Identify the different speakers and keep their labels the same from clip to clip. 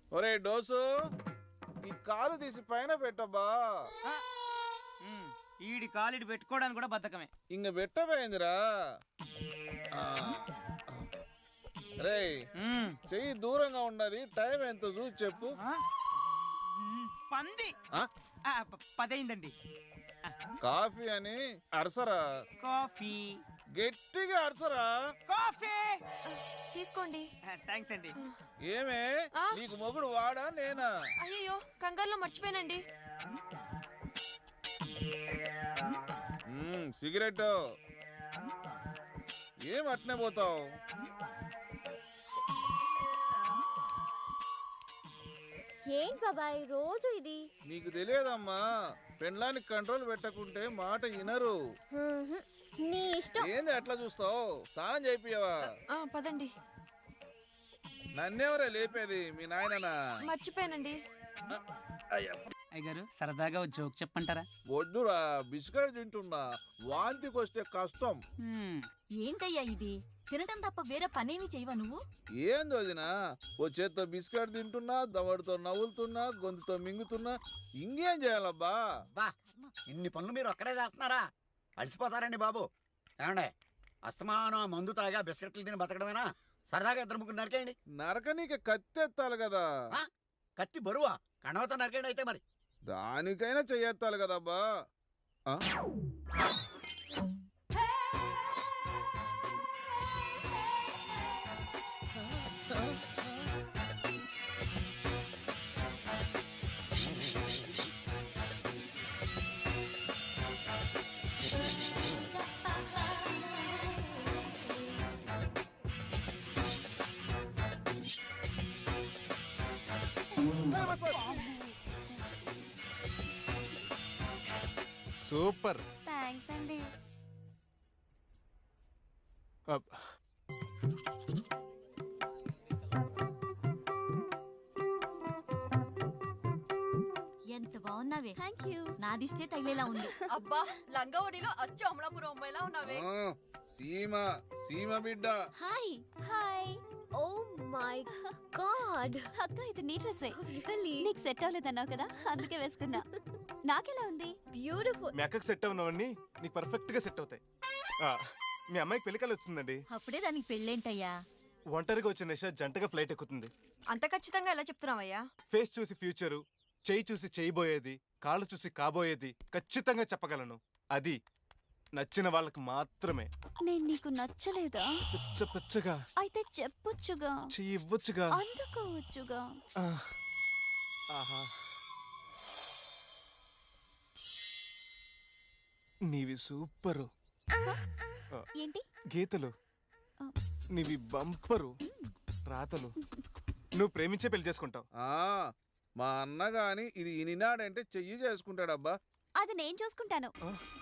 Speaker 1: ఒరే డోసు, ఈ కాలు తీసి పైన పెట్టబ్బా.
Speaker 2: ఈడి కాలిడి పెట్టుకోవడానికి కూడా బద్ధకమే.
Speaker 1: ఇంక పెట్టబోయిందిరా. రే చెయ్యి దూరంగా ఉండదు. టైం ఎంత చూసి చెప్పు.
Speaker 2: పంది 10 అయిందండి.
Speaker 1: కాఫీ అని అరసరా.
Speaker 2: కాఫీ
Speaker 1: గట్టిగా అరసరా.
Speaker 2: కాఫీ
Speaker 3: తీసుకోండి.
Speaker 2: థ్యాంక్స్ అండి.
Speaker 1: ఏమే నీకు మొగుడు వాడా నేనా?
Speaker 3: అయ్యో కంగారులో మర్చిపోయానండి.
Speaker 1: సిగరెట్ ఏం అట్నే పోతావు?
Speaker 4: ఏంటి బాబాయ్ రోజు ఇది?
Speaker 1: నీకు తెలియదమ్మా, పెండ్లానికి కంట్రోల్ పెట్టకుంటే మాట వినరు.
Speaker 4: నీ ఇష్టం.
Speaker 1: ఏంది అట్లా చూస్తావు? స్నానం చేయిపియవా?
Speaker 3: పదండి.
Speaker 1: నన్నెవరే లేపేది? మీ నాయననా?
Speaker 3: మర్చిపోయానండి.
Speaker 2: అయ్యగారు సరదాగా జోక్ చెప్పంటారా?
Speaker 1: వద్దురా, బిస్కెట్ తింటున్నా. వాంతికొస్తే కష్టం.
Speaker 5: ఏంటయ్యా ఇది? తినటం తప్ప వేరే పనేమి చేయవా నువ్వు?
Speaker 1: ఏంది వదినా, ఓ చేత్తో బిస్కెట్ తింటున్నా, దవడతో నవ్వులుతున్నా, గొంతుతో మింగుతున్నా. ఇంకేం చేయాలబ్బా?
Speaker 6: బా ఇన్ని పనులు మీరు ఒక్కడే చేస్తున్నారా? అలసిపోతారండి బాబు. ఏమండే అస్తమానం మందు తాగా బిస్కెట్లు తిని బతకడమేనా? సరదాగా 2-3 నరికేయండి.
Speaker 1: నరకనీకి కత్తెత్తాలి కదా.
Speaker 6: కత్తి బరువా? కణవతో నరికేయండి అయితే మరి.
Speaker 1: దానికైనా చెయ్యెత్తాలి కదబ్బా.
Speaker 7: సూపర్.
Speaker 4: థ్యాంక్స్ అండి.
Speaker 5: ఎంత బాగున్నావే.
Speaker 4: Thank you.
Speaker 5: నాదిష్టే తగిలేలా ఉంది.
Speaker 3: అబ్బా లంగావడిలో అచ్చు అమలాపురం అమ్మాయిలా ఉన్నావే.
Speaker 1: సీమ సీమ బిడ్డ.
Speaker 4: Hi hi. Oh my god.
Speaker 5: అక్క ఇది నీ డ్రెస్సే.
Speaker 4: రియల్లీ?
Speaker 5: నీకు సెట్ అవ్వలేదన్నావు కదా, అందుకే వేసుకున్నా. నాకెలా ఉంది?
Speaker 4: బ్యూటిఫుల్.
Speaker 7: మీ అక్కకు సెట్ అవునవన్నీ నీకు పర్ఫెక్ట్ గా సెట్ అవుతాయి. మీ అమ్మాయికి పెళ్లికలు వచ్చిందండి.
Speaker 5: అప్పుడే దానికి పెళ్ళేంటయ్యా?
Speaker 7: ఒంటరిగా వచ్చిన నిషా జంటగా ఫ్లైట్ ఎక్కుతుంది.
Speaker 3: అంత ఖచ్చితంగా ఎలా చెప్తున్నావయ్యా?
Speaker 7: ఫేస్ చూసి ఫ్యూచరు, చెయ్యి చూసి చేయబోయేది, కాళ్ళు చూసి కాబోయేది ఖచ్చితంగా చెప్పగలను. అది నచ్చిన వాళ్ళకి మాత్రమే.
Speaker 5: నేను నీకు నచ్చలేదా?
Speaker 7: పిచ్చ పిచ్చగా
Speaker 5: అయితే చెప్పొచ్చుగా,
Speaker 7: చెయ్యి ఇవ్వచ్చుగా,
Speaker 5: అందుకోవచ్చుగా.
Speaker 7: ఆహా, నీవి సూపరు.
Speaker 5: ఏంటి
Speaker 7: గీతలు నీవి బంపరు. రాతలు నువ్వు ప్రేమించే పెళ్లి చేసుకుంటావు.
Speaker 1: మా అన్న గాని ఇది ఇనినాడంటే చెయ్యి చేసుకుంటాడబ్బా.
Speaker 5: అది నేను చూసుకుంటాను.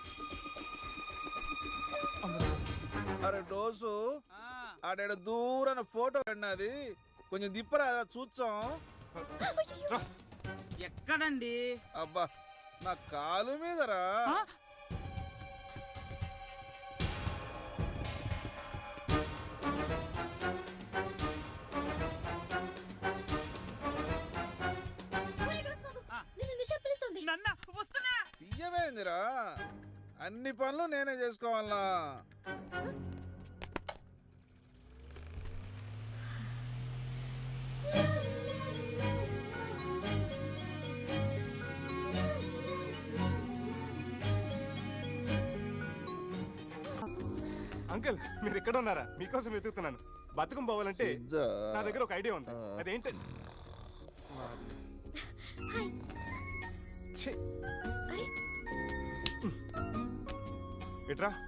Speaker 1: అరే డోసు, ఆడ దూరాన ఫోటో అన్నది కొంచెం దిప్పరా చూచాం.
Speaker 2: ఎక్కడండి?
Speaker 1: అబ్బా నా కాలు మీదరా.
Speaker 2: నన్న వస్తున్నా.
Speaker 1: తీయమైందిరా, అన్ని పనులు నేనే చేసుకోవాలా?
Speaker 7: అంకుల్ మీరు ఎక్కడ ఉన్నారా? మీకోసం వెతుకుతున్నాను. బతుకం పోవాలంటే నా దగ్గర ఒక ఐడియా ఉంది. అదేంటండి? ఎట్రా,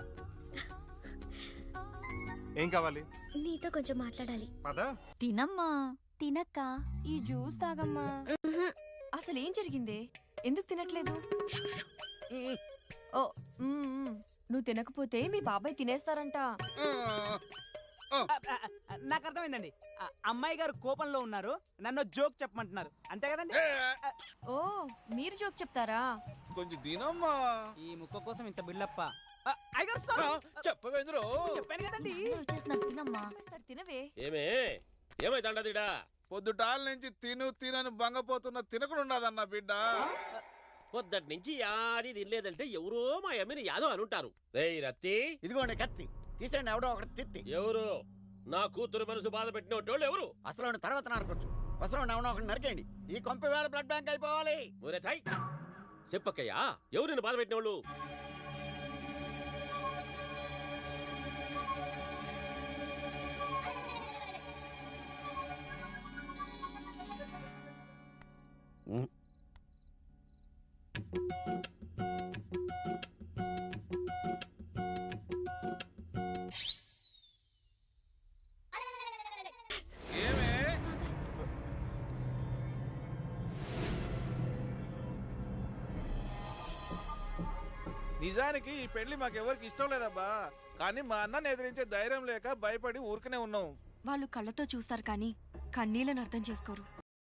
Speaker 7: ఏం కావాలి?
Speaker 4: నీతో కొంచెం మాట్లాడాలి.
Speaker 7: పదా.
Speaker 5: తినమ్మా, తినక్క.
Speaker 3: ఈ జ్యూస్ తాగమ్మా. అసలు ఏం జరిగింది? ఎందుకు తినట్లేదు? ఓ నువ్వు తినకపోతే మీ బాబాయ్ తినేస్తారంట.
Speaker 2: నాకు అర్థమైందండి. అమ్మాయి గారు కోపంలో ఉన్నారు, నన్ను జోక్ చెప్పమంటున్నారు, అంతే కదండి?
Speaker 3: ఓ మీరు జోక్ చెప్తారా?
Speaker 1: కొంచెం తినమ్మా.
Speaker 2: ఈ ముక్క కోసం ఇంత బిల్డప్ప.
Speaker 1: చెప్పవేంద్రో?
Speaker 2: చెప్పాను కదండి.
Speaker 5: వచ్చేస్తున్నారు, తినమ్మా.
Speaker 3: తినవే.
Speaker 8: ఏమే ఏమైందండదిడా?
Speaker 1: పొద్దుటాల నుంచి తినని బంగపోతున్న తినకుండా బిడ్డ.
Speaker 8: పొద్దటి నుంచి యాది తినలేదంటే ఎవరో మా అమ్మని యాదో అనుంటారు. రేయ్ రత్తి,
Speaker 6: ఇదిగోండి కత్తి తీసేయండి, ఎవడో ఒకటి తిత్తి.
Speaker 8: ఎవరు నా కూతురు మనసు బాధ పెట్టినోటోళ్ళు ఎవరు?
Speaker 6: అసలు తర్వాత నరకొచ్చు, అసలు ఎవడో ఒకటి నరికేయండి. ఈ కొంప వేళ బ్లడ్ బ్యాంక్ అయిపోవాలి.
Speaker 8: ఒరే థై, చెప్పక్కయ్యా, ఎవరు నిన్ను బాధ పెట్టినోళ్ళు?
Speaker 1: ఏమే నిజానికి ఈ పెళ్లి మాకెవరికి ఇష్టం లేదబ్బా, కానీ మా అన్నని ఎదిరించే ధైర్యం లేక భయపడి ఊరికనే ఉన్నాం.
Speaker 3: వాళ్ళు కళ్ళతో చూస్తారు కానీ కన్నీళ్ళని అర్థం చేసుకోరు.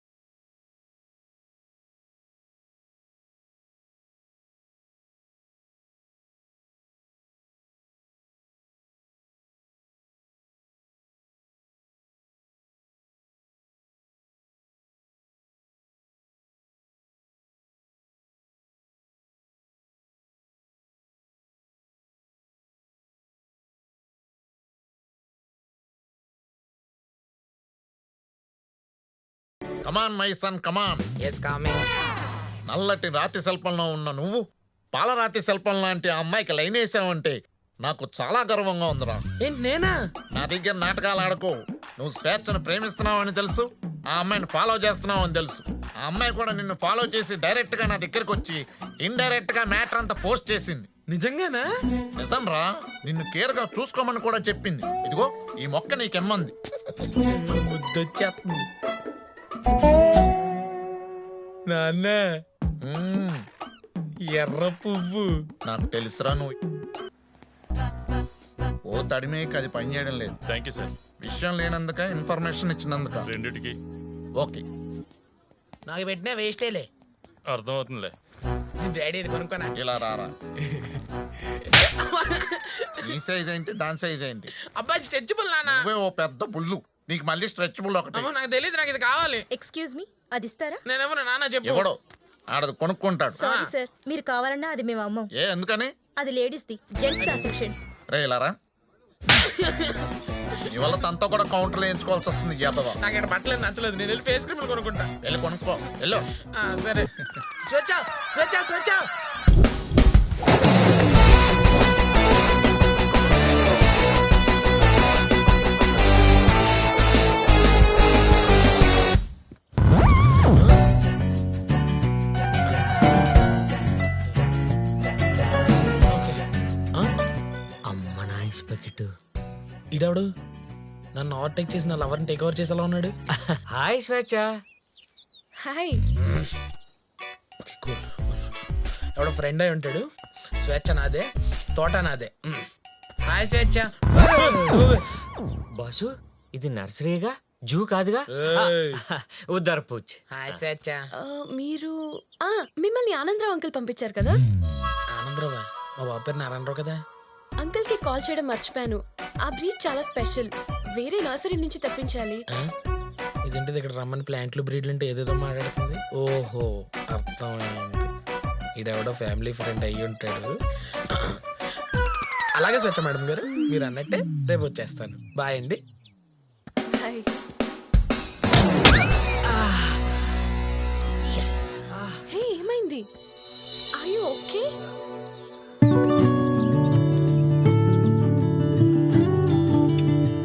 Speaker 9: Come on my son come on. నల్లటి రాతి శిల్పంలో ఉన్న నువ్వు పాలరాతి శిల్పం లాంటి ఆ అమ్మాయికి లైన్ వేసావంటే నాకు చాలా గర్వంగా ఉందిరా.
Speaker 2: నేనా?
Speaker 9: నా దగ్గర నాటకాలు ఆడుకో. నువ్వు స్వేచ్ఛను ప్రేమిస్తున్నావని తెలుసు, ఆ అమ్మాయిని ఫాలో చేస్తున్నావు అని తెలుసు. ఆ అమ్మాయి కూడా నిన్ను ఫాలో చేసి డైరెక్ట్ గా నా దగ్గరకు వచ్చి ఇండైరెక్ట్ గా మ్యాటర్ అంతా పోస్ట్ చేసింది.
Speaker 2: నిజంగానా?
Speaker 9: నిజం రా, నిన్ను కేర్ గా చూసుకోమని కూడా చెప్పింది. ఇదిగో ఈ మొక్క నీకెమ్మంది.
Speaker 2: ముద్దొచ్చేస్తుంది. నాన్న, ఎర్ర పువ్వు.
Speaker 9: నాకు తెలుసురా, నువ్వు ఓ తడిమేకి అది పనిచేయడం లేదు.
Speaker 10: Thank you sir.
Speaker 9: విషయం లేనందుక ఇన్ఫర్మేషన్ ఇచ్చినందుక
Speaker 10: రెండిటికి
Speaker 9: ఓకే.
Speaker 2: నాకు పెట్టినా వేస్టేలే.
Speaker 10: అర్థమవుతుందిలే.
Speaker 2: డాడీ కొనుక్కోనా?
Speaker 9: ఇలా రారా. ఈ సైజ్ ఏంటి, దాని సైజ్ ఏంటి?
Speaker 2: అబ్బాయి స్ట్రెచబుల్ నాన్న.
Speaker 9: నువ్వే ఓ పెద్ద బుల్లు, నీకు మళ్ళీ స్ట్రెచబుల్ ఒకటి.
Speaker 2: నాకు తెలియదు, నాకు ఇది కావాలి.
Speaker 11: ఎక్స్క్యూజ్ మీ, అది ఇస్తారా?
Speaker 2: నేను ఎవరు నాన్న చెప్పు.
Speaker 9: ఎవడో ఆడది కొనుక్కుంటాడు.
Speaker 11: సారీ సార్, మీరు కావాలన్నా అది మేము అమ్మం.
Speaker 9: ఏ ఎందుకని?
Speaker 11: అది లేడీస్ ది, జెంట్స్ దా సెక్షన్.
Speaker 9: రే ఇలా రా. ఇవాళ తనతో కూడా కౌంటర్లు వేయించుకోవాల్సి వస్తుంది. యాదవా,
Speaker 2: నాకు ఇక్కడ బట్టలేదు నచ్చలేదు, నేను వెళ్ళి ఫేస్ క్రీమ్ కొనుక్కుంటా.
Speaker 9: వెళ్ళి కొనుక్కో వెళ్ళు.
Speaker 2: సరే. స్వచ్ఛ స్వచ్ఛ స్వచ్ఛ. ఇడాడు నన్ను ఓవర్టేక్ చేసి నా లవర్ని టేక్ ఓవర్ చేసేలా ఉన్నాడు.
Speaker 12: హాయ్ స్వేచ్ఛ.
Speaker 11: హాయ్.
Speaker 2: కూల్. ఎవడో ఫ్రెండ్ అయి ఉంటాడు. స్వేచ్ఛ నాదే, తోట నాదే. హాయ్ స్వేచ్ఛ.
Speaker 12: బాసు, ఇది నర్సరీగా, జూ కాదుగా. ఉద్దర్ పూచ్.
Speaker 2: హాయ్ స్వేచ్ఛ.
Speaker 11: మీరు మిమ్మల్ని ఆనందరావు అంకుల్ పంపించారు కదా?
Speaker 2: ఆనందరావు? మా బాబు పేరు నారాయణరావు కదా.
Speaker 11: అంకుల్ కి కాల్ చేయడం మర్చిపోయాను. ఆ బ్రీడ్ చాలా స్పెషల్, వేరే నర్సరీ నుంచి తెప్పించాలి.
Speaker 2: ఇదేంటిది ఇక్కడ రమ్మని ప్లాంట్లు బ్రీడ్లు అంటే ఏదేదో మాట్లాడుతుంది. ఓహో అర్థమైంది, ఈడెవడో ఫ్యామిలీ ఫ్రెండ్ అయ్యి ఉంటాడు. అలాగే స్వచ్ఛ మేడం గారు, మీరు అన్నట్టే రేపు వచ్చేస్తాను. బాయ్ అండి.
Speaker 11: హాయ్. హే, ఏమైంది? Are you okay?